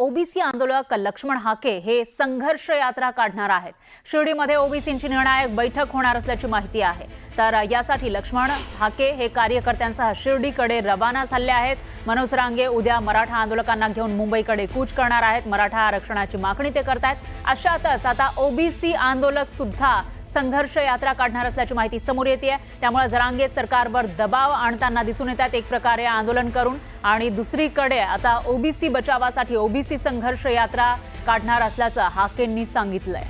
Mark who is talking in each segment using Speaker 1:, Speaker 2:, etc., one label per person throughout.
Speaker 1: OBC आंदोलक लक्ष्मण हाके हे संघर्ष यात्रा काढणार आहेत। शिर्डीमध्ये ओबीसींची निर्णायक बैठक होणार असल्याची माहिती आहे। तर यासाठी लक्ष्मण हाके हे कार्यकर्त्यांसह शिर्डीकडे रवाना झाले आहेत। मनोज रांगे उद्या मराठा आंदोलकांना घेऊन मुंबईकडे कूच करणार आहेत। मराठा आरक्षणाची मागणी ते करतायत। अशातच आता ओबीसी आंदोलक सुद्धा संघर्ष यात्रा काढणार असल्याची माहिती समोर येते। त्यामुळे जरांगे सरकारवर दबाव आणताना दिसून येतात एक प्रकारे आंदोलन करून, आणि दुसरीकडे आता ओबीसी बचावासाठी ओबीसी संघर्ष यात्रा काढणार असल्याचं हाकेंनी सांगितलंय।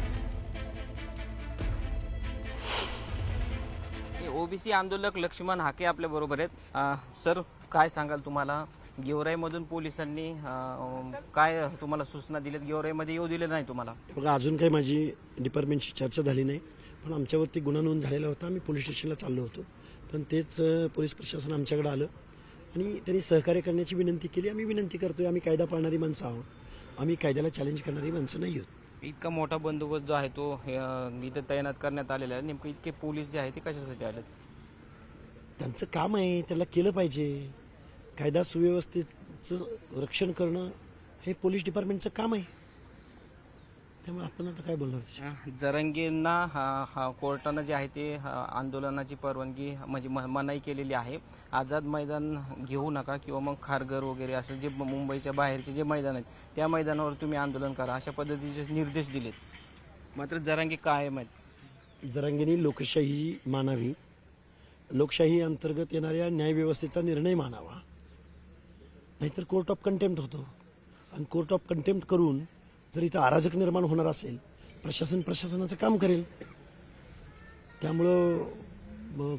Speaker 2: ओबीसी आंदोलक लक्ष्मण हाके आपल्या बरोबर आहेत। सर, काय सांगाल तुम्हाला गेवराईमधून पोलिसांनी काय तुम्हाला सूचना दिल्यात? गेवराईमध्ये येऊ दिले नाही तुम्हाला?
Speaker 3: बघा, अजून काही माझी डिपार्टमेंटशी चर्चा झाली नाही, पण आमच्यावरती गुन्हा नोंद झालेला होता। आम्ही पोलीस स्टेशनला चाललो होतो, पण तेच पोलीस प्रशासन आमच्याकडे आलं आणि त्यांनी सहकार्य करण्याची विनंती केली। आम्ही विनंती करतोय, आम्ही कायदा पाळणारी माणसं आहोत, आम्ही कायद्याला चॅलेंज करणारी माणसं नाही आहोत।
Speaker 2: इतका मोठा बंदोबस्त जो आहे तो इथे तैनात करण्यात आलेला आहे। नेमकं इतके पोलीस जे आहे ते कशासाठी आलेत?
Speaker 3: त्यांचं काम आहे, त्याला केलं पाहिजे। कायदा सुव्यवस्थेचं रक्षण करणं हे पोलीस डिपार्टमेंटचं काम आहे, त्यामुळे आपण आता काय बोलणार?
Speaker 2: जरांगेंना कोर्टानं जे आहे ते आंदोलनाची परवानगी म्हणजे मनाई केलेली आहे। आझाद मैदान घेऊ नका किंवा मग खारघर वगैरे असं जे मुंबईच्या बाहेरचे जे मैदान आहेत त्या मैदानावर तुम्ही आंदोलन करा अशा पद्धतीचे निर्देश दिलेत। मात्र जरांगे काय माहीत?
Speaker 3: जरांगेंनी लोकशाही मानावी, लोकशाही अंतर्गत येणाऱ्या न्यायव्यवस्थेचा निर्णय मानावा, नाहीतर कोर्ट ऑफ कंटेम्प्ट होतो। आणि कोर्ट ऑफ कंटेम्प्ट करून जर इथं अराजक निर्माण होणार असेल, प्रशासन प्रशासनाचं काम करेल। त्यामुळं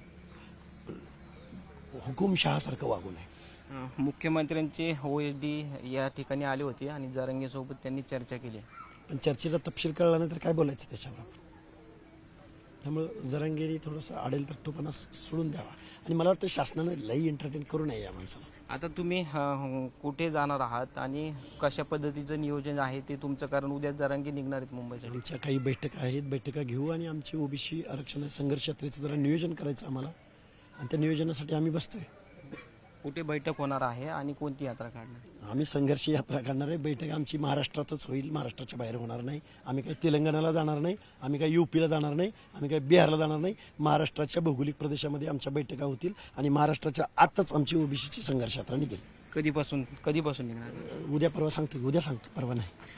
Speaker 3: हुकुमशहासारखं वागू नये।
Speaker 2: मुख्यमंत्र्यांचे ओएसडी या ठिकाणी आले होते आणि जरांगेसोबत त्यांनी चर्चा केली,
Speaker 3: पण चर्चेचा तपशील कळला नाही तर काय बोलायचं त्याच्यावर? त्यामुळं जरांगेंनी थोडंसं आडेल तट्टूपणा सोडून द्यावा, आणि मला वाटतं शासनानं लई एंटरटेन करू नये या माणसाला।
Speaker 2: आता तुम्ही कुठे जाणार आहात आणि कशा पद्धतीचं नियोजन आहे ते तुमचं? कारण उद्या जरांगे निघणार आहेत मुंबईसाठी।
Speaker 3: आमच्या काही बैठका आहेत, बैठका घेऊ आणि आमची ओबीसी आरक्षण संघर्ष यात्रेचं जरा नियोजन करायचं आम्हाला, आणि त्या नियोजनासाठी आम्ही बसतोय।
Speaker 2: कुठे बैठक होणार आहे आणि कोणती यात्रा काढणार?
Speaker 3: आम्ही संघर्ष यात्रा काढणार आहे। बैठक आमची महाराष्ट्रातच होईल, महाराष्ट्राच्या बाहेर होणार नाही। आम्ही काही तेलंगणाला जाणार नाही, आम्ही काही यूपीला जाणार नाही, आम्ही काही बिहारला जाणार नाही। महाराष्ट्राच्या भौगोलिक प्रदेशामध्ये आमच्या बैठका होतील आणि महाराष्ट्राच्या आतच आमची ओबीसीची संघर्ष यात्रा निघेल।
Speaker 2: कधीपासून निघणार?
Speaker 3: उद्या परवा सांगतो, परवा नाही।